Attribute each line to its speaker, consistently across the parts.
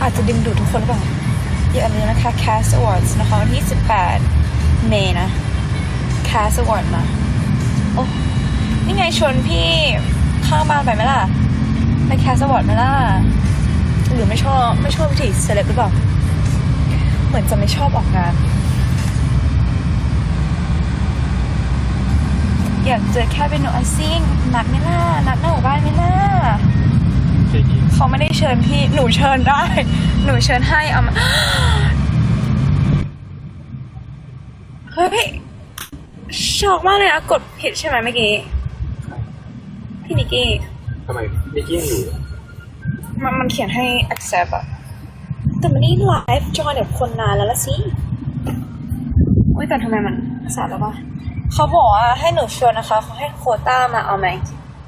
Speaker 1: อาจจะดึงดูดทุกคนหรือเปล่าอย่าลืมนะคะ Cast Awards นะคะวันที่18 เมษายนนะ Cast Award มาโอ้นี่ไงชวนพี่ข้างบ้านไปไหมล่ะไป Cast Award ไหมล่ะหรือไม่ชอบวิธีเซเลบหรือเปล่าเหมือนจะไม่ชอบออกงานอยากเจอแค่เป็นโนอาซิ่งนัดไหมล่ะนัดหน้าหมู่บ้านไหมล่ะเขาไม่ได้เชิญพี่หนูเชิญได้หนูเชิญให้เอามาเฮ้ยพี่ช็อกมากเลยนะกดผิดใช่ไหมเมื่อกี้พี่นิกกี้
Speaker 2: ทำไมนิกกี้ยังอยู่
Speaker 1: มันเขียนให้ accept อะแต่มันนี่ไลฟ์จอยแบบคนนานแล้วละสิอุ้ยแต่ทำไมมันสาดแล้วปะเขาบอกว่าให้หนูชวนนะคะเขาให้โควต้ามาเอาไหม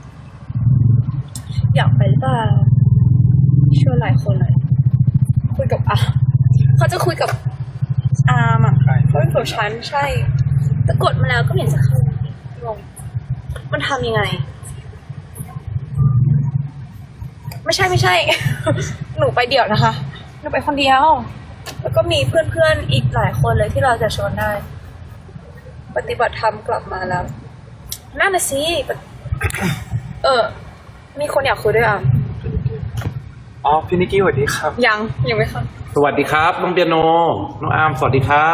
Speaker 1: อยากไปหรือเปล่าชวนหลายคนเลยคุยกับเขาจะคุยกับอาร์มอ่ะเขาเป็นผัวฉันใช่แต่กดมาแล้วก็ไม่เห็นจะเข้างงมันทำยังไงไม่ใช่ หนูไปเดี่ยวนะคะหนูไปคนเดียวแล้วก็มีเพื่อนๆอีกหลายคนเลยที่เราจะชวนได้ปฏิบัติธรรมกลับมาแล้วนั่นน่ะสิมีคนอยากคุยด้วยอ่ะ
Speaker 2: อ๋อพี่นิกกี้สวัสดีครับ
Speaker 1: ยังไม่ค่ะ
Speaker 3: สวัสดีครับน้องเปียโนน้องอาร์มสวัสดีครับ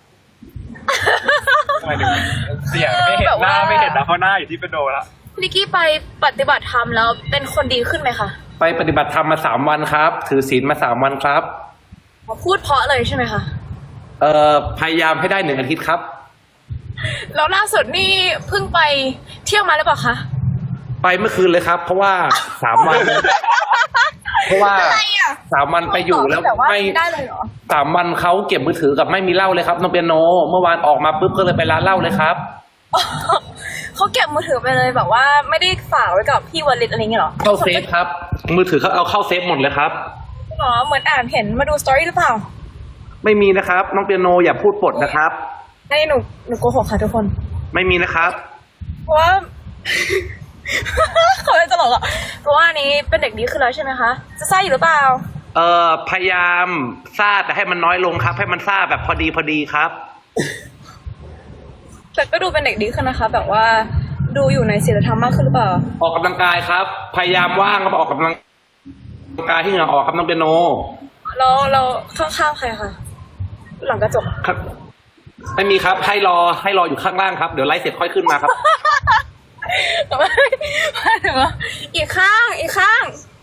Speaker 2: ทำไมถึงเสียงไม่เห็นหน้าไม่เห็นนะเพราะหน้าอยู่ที่เป็นโดละ
Speaker 1: นิกกี้ไปปฏิบัติธรรมแล้วเป็นคนดีขึ้นไหมคะ
Speaker 3: ไปปฏิบัติธรรมมา3 วันครับถือศีลมา3 วันครับ
Speaker 1: พูดเพราะเลยใช่ไหมคะ
Speaker 3: พยายามให้ได้1 อาทิตย์ครับ
Speaker 1: แล้วล่าสุดนี่เพิ่งไปเที่ยวมาหรือเปล่าคะ
Speaker 3: ไปเมื่อคืนเลยครับเพราะว่า3 วันเพราะว่า3 วันไปอยู่แล้วไม่
Speaker 1: ได้เลยเหรอ
Speaker 3: 3 วันเขาเก็บมือถือกับไม่มีเหล้าเลยครับน้องเปียโนเมื่อวานออกมาปุ๊บก็เลยไปร้านเหล้าเลยครับ
Speaker 1: เขาเก็บมือถือไปเลยแบบว่าไม่ได้ฝากไว้กับพี่วลิตอะไรเงี้ยหรอ
Speaker 3: เข้าเซฟครับมือถือเขาเอาเข้าเซฟหมดเลยครับ
Speaker 1: อ๋อเหมือนอ่านเห็นมาดูสตอรี่หรือเปล่า
Speaker 3: ไม่มีนะครับน้องเปียโนอย่าพูดปดนะครับ
Speaker 1: ให้หนูโกหกค่ะทุกคน
Speaker 3: ไม่มีนะครับ
Speaker 1: เพราะว่าเขาเลยตลกอ่ะเพราะว่านี้เป็นเด็กดีขึ้นแล้วใช่ไหมคะจะซ่าอยู่หรือเปล่า
Speaker 3: พยายามซ่าแต่ให้มันน้อยลงครับให้มันซ่าแบบพอดีครับ
Speaker 1: แต่ก็ดูเป็นเด็กดีขึ้นนะคะแบบว่าดูอยู่ในศีลธรรมมากขึ้นหรือเปล่า
Speaker 3: ออกกำลังกายครับพยายามว่างครับออกกำลังกายที่เหงื่อออกครับน้องเปียโน
Speaker 1: เราข้างๆใครคะหลังกระจก
Speaker 3: ครับไม่มีครับให้รออยู่ข้างล่างครับเดี๋ยวไลฟ์เสร็จค่อยขึ้นมาครับ
Speaker 1: ไม่ถึงว่าอีกข้าง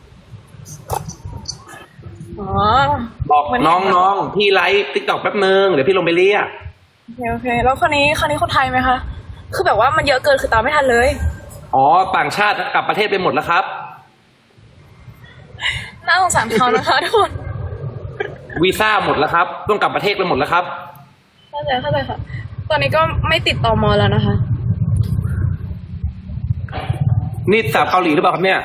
Speaker 1: อ๋อ
Speaker 3: บอกน้องพี่ไลฟ์ติ๊กต็อกแป๊บนึงเดี๋ยวพี่ลงไปเรียก
Speaker 1: โอเคแล้วคนนี้คนไทยไหมคะคือแบบว่ามันเยอะเกินคือตามไม่ทันเลย
Speaker 3: อ๋อต่างชาติกลับประเทศไปหมดแล้วครับ
Speaker 1: น่าสงสารเขานะคะทุกคน
Speaker 3: วีซ่าหมดแล้วครับต้องกลับประเทศไปหมดแล้วครับ
Speaker 1: เข้าใจค่ะตอนนี้ก็ไม่ติดต่อมอแล้วนะคะ
Speaker 3: นี่สาวเกาหลีหรือเปล่าครับเนี่ย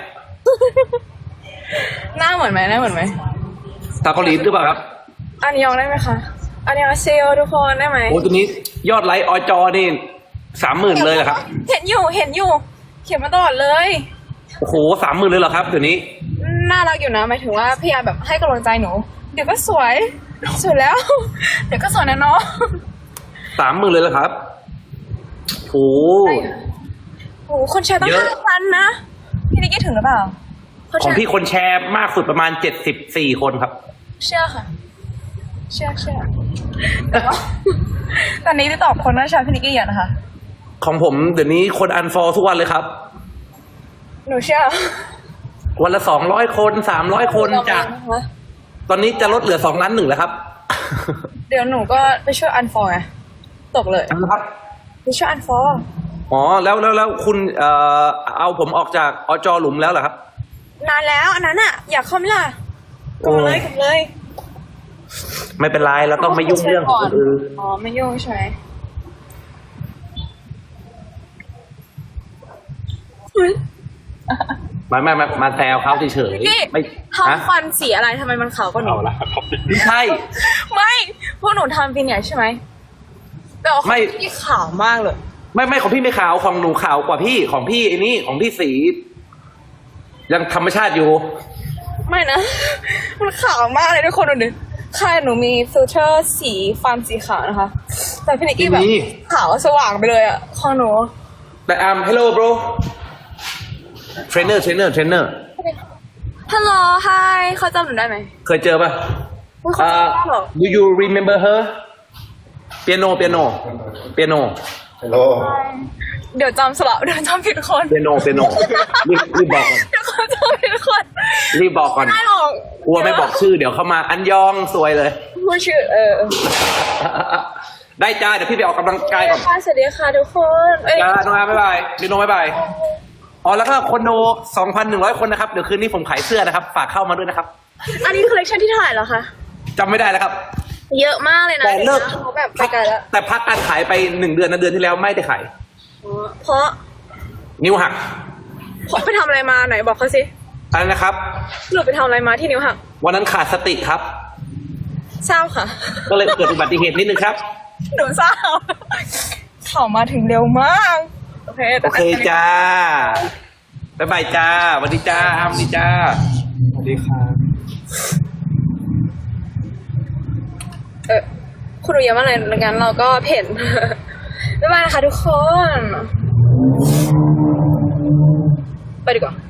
Speaker 1: หน้าเหมือนไหม
Speaker 3: สาวเกาหลีหรือเปล่าครับ
Speaker 1: อันยองได้ไหมคะอันยองเซลทุกคนได้ไหม
Speaker 3: โอ้ตัวนี้ยอดไลค์อจอนี่30,000เลยเหรอครับ
Speaker 1: เห็นอยู่เขียนมาตลอดเลย
Speaker 3: โอ้โห30,000เลยเหรอครับเดี๋ยวนี้
Speaker 1: น่ารักอยู่นะหมายถึงว่าพยายามแบบให้กำลังใจหนูเดี๋ยวก็สวยแล้วเดี๋ยวก็สวยนะน้อง
Speaker 3: 30,000เลยเหรอครับโอ้
Speaker 1: คนแชร์ตั้ง5,000นะพี่นิกกี้ถึงหรือเปล่า
Speaker 3: ของพี่คนแชร์มากสุดประมาณ74 คนครับ
Speaker 1: เชื่อค่ะเชื่อแต่ว่าตอนนี้ที่ตอบคนน่าชาพี่นิกกี้เยอะนะคะ
Speaker 3: ของผมเดี๋ยวนี้คนอันฟอลทุกวันเลยครับ
Speaker 1: หนูเชื่อ
Speaker 3: วันละ200 คน300 คนจากตอนนี้จะลดเหลือ2,1,000,000แล้วครับ
Speaker 1: เดี๋ยวหนูก็ไปช่วยอันฟอลไงตกเลย
Speaker 3: ครับ
Speaker 1: ไปช่วยอันฟอล
Speaker 3: อ๋อแล้วคุณเอาผมออกจากอจหลุมแล้วเหรอครับ
Speaker 1: นานแล้วอันนั้นอ่ะอยากเข้าไหมล่ะกลับเลย
Speaker 3: ไม่เป็นไรเราต้องไม่ยุ่งเรื่องของคนอื่น
Speaker 1: อ๋อไม่ยุ่งใช่ไหม
Speaker 3: ไม่มาแซวเขาเฉย
Speaker 1: ๆไม่ทำฟันสีอะไรทำไมมันขาวกว่าหนู
Speaker 3: ไม่ใช่
Speaker 1: ไม่พวกหนูทำฟินเนี่ยใช่ไหมแต่ของพี่ขาวมากเลย
Speaker 3: ไม่ของพี่ไม่ขาวของหนูขาวกว่าพี่ของพี่ไอ้นี่ของพี่สียังธรรมชาติอยู่
Speaker 1: ไม่นะ มันขาวมากเลยทุกคนดูดิค่ะหนูมีฟิลเตอร์สีฟันสีขาวนะคะ แต่พี่นิกกี้แบบขาวสว่างไปเลยอะของหนู
Speaker 3: แต่hello bro trainer
Speaker 1: ฮัลโหลไฮเขาจำหนูได้ไหม
Speaker 3: เคยเจอป่ะ
Speaker 1: อุ๊ยเขาจำได้เหรอ
Speaker 3: do you remember her piano
Speaker 2: ฮัลโหล
Speaker 1: เดี๋ยวจำสลับเดี๋ยวจำผิดคน
Speaker 3: piano รีบบอกก่อน
Speaker 1: เดี๋ยวเขาจำผิดคน
Speaker 3: รีบบอกก่อน
Speaker 1: ไม่หรอก
Speaker 3: กลัวไม่บอกชื่อเดี๋ยวเข้ามาอันยองสวยเลย
Speaker 1: พูดชื่อ
Speaker 3: ได้จ้าเดี๋ยวพี่ไปออกกำลังกายก่อน
Speaker 1: ค่ะสวัสดีค่ะทุกคนเอ้ย
Speaker 3: จ้าน้องอาบ๊ายบายพี่โนบ๊ายบายอ๋อแล้วก็คนดู 2,100 คนนะครับเดี๋ยวคืนนี้ผมขายเสื้อนะครับฝากเข้ามาด้วยนะครับ
Speaker 1: อันนี้คอลเลคชันที่เท่าไหร่แล้วคะ
Speaker 3: จำไม่ได้แล้วครับ
Speaker 1: เยอะมากเลยนะ
Speaker 3: แต่เลิก
Speaker 1: เขาแบบไปไกลแล้ว
Speaker 3: แต่พักการขายไป1 เดือนนะเดือนที่แล้วไม่ได้ขาย
Speaker 1: เพราะ
Speaker 3: นิ้วหัก
Speaker 1: ไปทำอะไรมาไหนบอกเขาสิ
Speaker 3: อะไรนะครับ
Speaker 1: หนูไปทำอะไรมาที่นิ้วหัก
Speaker 3: วันนั้นขาดสติครับ
Speaker 1: เศร้าค่ะ
Speaker 3: ก็เลยเกิดอุบัติเหตุนิดนึงครับ
Speaker 1: หนูเศร้าเขามาถึงเร็วมากโอเค
Speaker 3: โอเคจ้าบ๊ายบายจ้าสวัสดีจ้าสวัสดีจ้าสวัสดีครับ
Speaker 1: คุณรู้เยอะมากเลยงั้นเราก็เพ่น บ๊ายบายนะคะทุกคน ไปดีกว่า